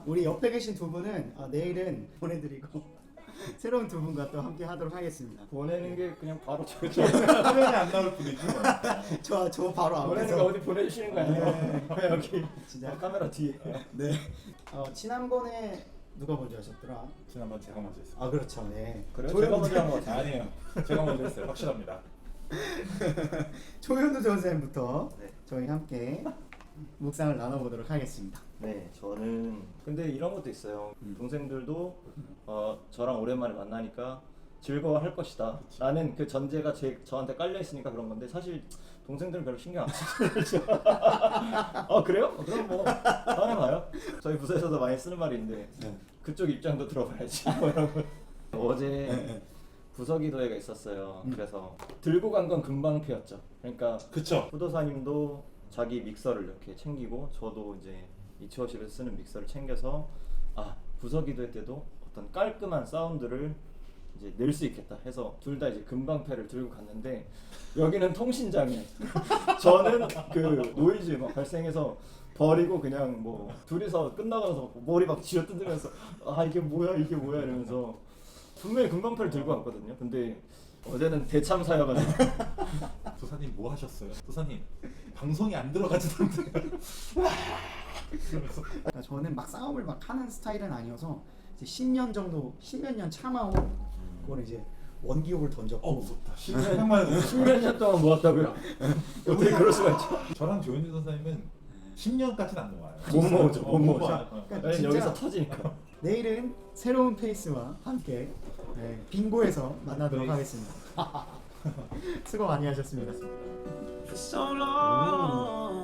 우리 옆에 계신 두 분은 내일은 보내드리고 새로운 두 분과 또 함께 하도록 하겠습니다. 보내는 게 그냥 바로 화면에 안 나올 뿐이지. 저 바로 보내는 거 앞에서 어디 보내주시는 거 아니에요? 여기 진짜 카메라 뒤에. 네. 지난번에 누가 먼저 하셨더라? 지난번 제가 먼저 했어요. 아 그렇죠. 네. 그래요? 제가 먼저 한 거 같아요. 아니에요. 제가 먼저 했어요. 확실합니다. 조현우 전생부터 네. 저희 함께 묵상을 나눠보도록 하겠습니다. 네, 저는 근데 이런 것도 있어요. 동생들도 저랑 오랜만에 만나니까 즐거워할 것이다. 라는 그 전제가 저한테 깔려 있으니까 그런 건데 사실 동생들은 별로 신경 안 쓰죠. 그래요? 그럼 뭐 다음에 봐요. 저희 부서에서도 많이 쓰는 말이 있는데 네. 그쪽 입장도 들어봐야지. 뭐 이런 거. 어제 부서기도회가 있었어요. 그래서 들고 간 건 금방패였죠. 그러니까 그쵸? 후도사님도 자기 믹서를 이렇게 챙기고 저도 이제 이치워십에서 쓰는 믹서를 챙겨서 부서기도회 때도 어떤 깔끔한 사운드를 이제 낼 수 있겠다 해서 둘 다 이제 금방패를 들고 갔는데 여기는 통신장애 저는 그 노이즈 막 발생해서 버리고 그냥 뭐 둘이서 끝나고 나서 머리 막 쥐어뜯으면서 이게 뭐야 이러면서 분명히 금방패를 들고 왔거든요. 근데 어제는 대참사여가지고 도사님 뭐 하셨어요? 도사님 방송이 안 들어가지던데. 그러니까 저는 막 싸움을 막 하는 스타일은 아니어서 이제 10년 정도 10몇 년 참아온 그걸 이제 원기옥을 던졌고 무섭다. 생각만 해도 무섭다. 10몇 년 동안 모았다고요? 어떻게 그럴 수가 있죠? 저랑 조현주 도사님은 10년까지는 안 넘어요. 못 먹었죠, 못 먹었죠. 그러니까 왜냐면 진짜 여기서 터지니까. 내일은 새로운 페이스와 함께 빙고에서 만나도록 네. 하겠습니다. 수고 많이 하셨습니다. For so long.